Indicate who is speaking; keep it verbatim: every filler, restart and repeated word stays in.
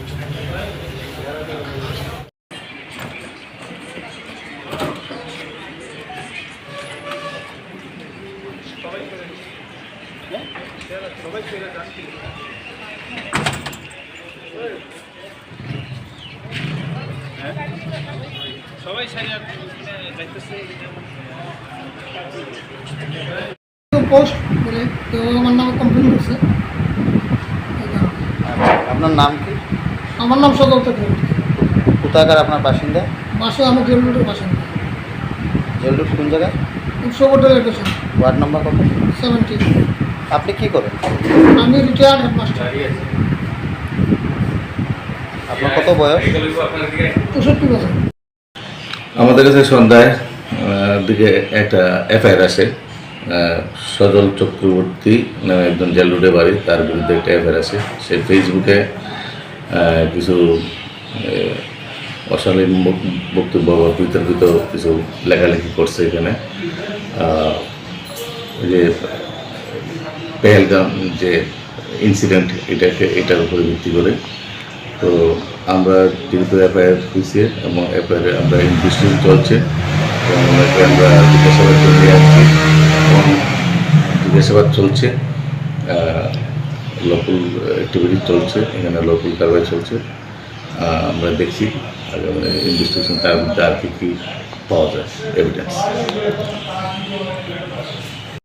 Speaker 1: সবাই সারিয়া যাইতেছে
Speaker 2: পোস্ট করে তো আমার নামে কমপ্লেন করছে।
Speaker 3: আপনার নাম কি?
Speaker 2: আমার নাম সদর চক্রবর্তী।
Speaker 3: কোথাকার আপনার বাসিন্দা?
Speaker 2: বাসে আমি জেলরোডের বাসিন্দা।
Speaker 3: জেলরোড কোন জায়গায়?
Speaker 2: উৎসব হোটেলের পেছনে।
Speaker 3: ওয়ার্ড নম্বর কত?
Speaker 2: সেভেন্টি।
Speaker 3: আপনি কি করেন?
Speaker 2: আমি রিটায়ার্ড হেডমাস্টার।
Speaker 3: আপনার কত বয়স?
Speaker 2: চৌষট্টি বছর।
Speaker 4: আমাদের কাছে সন্ধ্যায় দিকে একটা এফআইআর আসে, সজল চক্রবর্তী নামে একজন জেল রোডে বাড়ি, তার বিরুদ্ধে একটা এফআইআর আছে। সে ফেসবুকে কিছু অশালীন বক্তব্য বা বিতর্কিত কিছু লেখালেখি করছে। এখানে যে পেহেলগাম যে ইনসিডেন্ট, এটাকে এটার উপরে ভিত্তি করে তো আমরা যেহেতু এফআইআর হয়েছে এবং এফআইআরে আমরা ইনভেস্টিগেশন চলছে এবং আমরা জিজ্ঞাসাবাদ নিয়ে আসছি এবং জিজ্ঞাসাবাদ চলছে, লোকাল অ্যাক্টিভিটি চলছে, এখানে লোকাল কারবাই চলছে। আমরা দেখছি ইনভেস্টিগেশন তার মধ্যে আর কি কী পাওয়া যায় এভিডেন্স।